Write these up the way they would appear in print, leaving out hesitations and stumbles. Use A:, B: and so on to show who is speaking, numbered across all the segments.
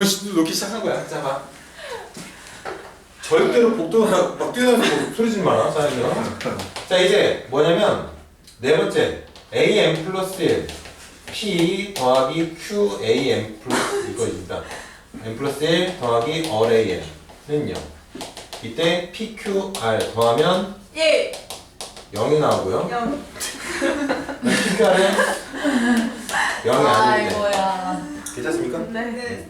A: 놓기 시작한 거야. 자, 봐. 절대로 복도가 막 뛰어다니고 소리 지르지 마라. 자, 이제 뭐냐면 네 번째 am 플러스 1 p 더하기 q am 플러스 이거입니다. m 플러스 1 더하기 all am는요. 이때 pqr 더하면
B: 1
A: 0이 나오고요.
B: 0
A: pqr은 0이 아닌데.
C: 아이고야.
A: 괜찮습니까?
B: 네.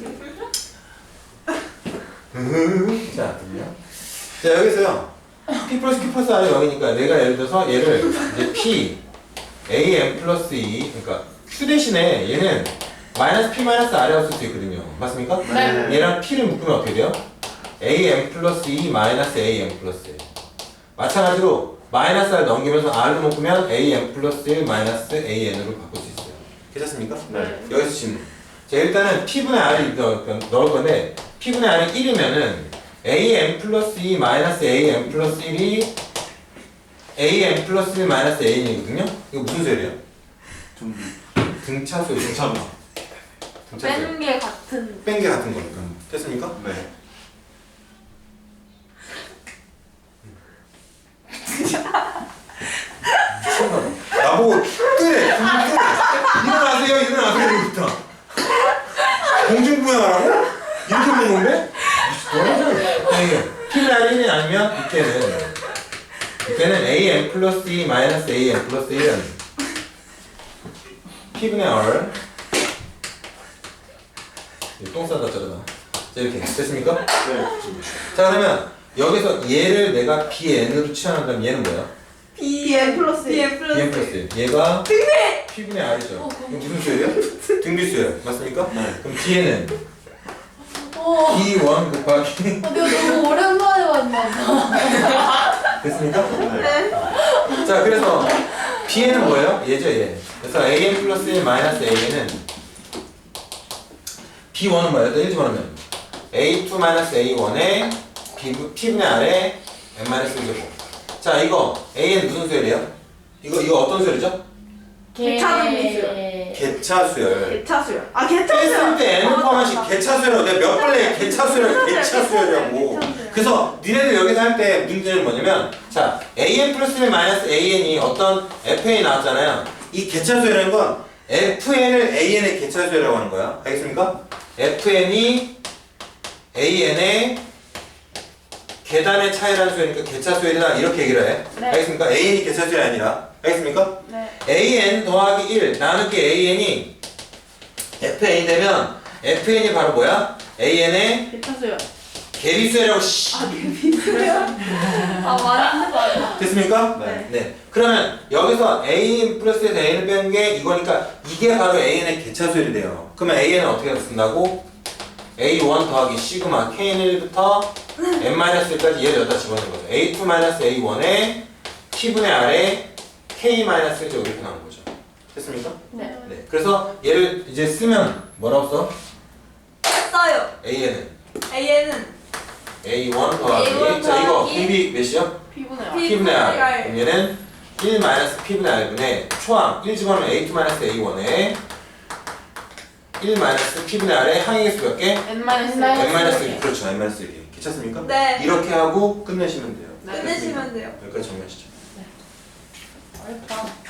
A: 자, 자 여기서요. p 플러스 q 플러스 r이 0이니까 내가 예를 들어서 얘를 이제 p am 플러스 2 그러니까 q 대신에 얘는 마이너스 p 마이너스 r이라고 쓸 수 있거든요. 맞습니까?
C: 네.
A: 얘랑 p를 묶으면 어떻게 돼요? am 플러스 2 마이너스 am 플러스 1. 마찬가지로 마이너스 r 넘기면서 r로 묶으면 am 플러스 1 마이너스 an으로 바꿀 수 있어요. 괜찮습니까?
C: 네.
A: 여기서 질문. 자, 일단은 p분의 r을 넣을 건데 p분의 r이 1이면은 am 플러스 2 마이너스 am 플러스 1이 am 플러스 1 마이너스 an이거든요? 이거 무슨 소리예요? 등차 소리.
D: 괜찮아.
A: 등차 소리.
C: 뺀 게 같은.
A: 뺀 게 같은 거니까. 됐습니까?
D: 네.
A: 나보고 끄래! 일어나세요, 일어나세요, 이러부터. 공중부양하라고? 이렇게 먹는 건데? p분의 r이 1이 아니면 이때는 am 플러스 2 마이너스 am 플러스 1은 p분의 r 똥 싸다 저러다. 자, 이렇게 됐습니까?
D: 네.
A: 자, 그러면 여기서 얘를 내가 bn으로 취한다면 얘는 뭐야?
B: BM 플러스 BM
A: bn 플러스 1. 얘가 p분의 r이죠. 이거 무슨 수열이야? 등비수열. 맞습니까?
D: 네.
A: 그럼 뒤에는
C: 오.
A: b1 곱하기
C: 내가 너무 오랜만에 만나서.
A: 됐습니까?
D: 네.
A: 자, 그래서 bn은 뭐예요? 얘죠, 얘. 그래서 am 플러스 1 마이너스 a는 b1은 뭐예요? 또 1집어넣으면 a2 마이너스 a1에 p분의 r에 n 마이너스 1제곱. 자, 이거 a는 무슨 수열이에요? 이거 어떤 수열이죠?
C: 개.
A: 개차수열.
B: 개차수요. 아
A: 뺐을
B: 개차수요.
A: 때 n을 포함하신 개차수열이라고 내가 몇 번에 개차수열이라고. 그래서 니네들 여기서 할 때 문제는 뭐냐면 자, am 플러스 1 마이너스 an이 어떤 fn이 나왔잖아요. 이 개차수열이라는 건 fn을 an의 개차수열이라고 하는 거야. 알겠습니까? fn이 an의 계단의 차이라는 수열이니까 개차수열이다 이렇게 얘기를 해.
C: 네.
A: 알겠습니까? an이 개차수열이 아니라. 알겠습니까?
C: 네.
A: an 더하기 1 나누기 an이 fn이 되면 fn이 바로 뭐야? an의
C: 개차수요.
A: 개비수열이라고 씨.
C: 아 많이 맞아.
A: 됐습니까?
D: 네.
A: 네. 그러면 여기서 a 플러스에서 an을 빼는 게 이거니까 이게 바로 an의 개차수열이 돼요. 그러면 an은 어떻게 쓴다고? a1 더하기 시그마 k1부터 n-1까지 얘를 여기다 집어넣는 거죠. a2 a1에 t분의 r에 k-1제곱 이렇게 나오는 거죠. 됐습니까?
C: 네.
A: 네. 그래서 얘를 이제 쓰면 뭐라고 써?
B: 써요.
A: an은
B: AN은
A: a1 더하기
C: A1
A: 자 이거
C: 더하기
A: 공비 몇이요?
C: 피부네요.
A: p분의 r.
B: R.
A: 그럼 얘는 1 p분의 r분의 초항 1 집어넣으면 a2 a1에 1 p분의 r에 항의 수 몇 개?
C: N 마이너스
A: n-1 그렇죠. n-1 괜찮습니까?
B: 네.
A: 이렇게 하고 끝내시면 돼요.
C: 네.
B: 끝내시면 돼요.
A: 여기까지 정리하시죠.
C: 어렵다.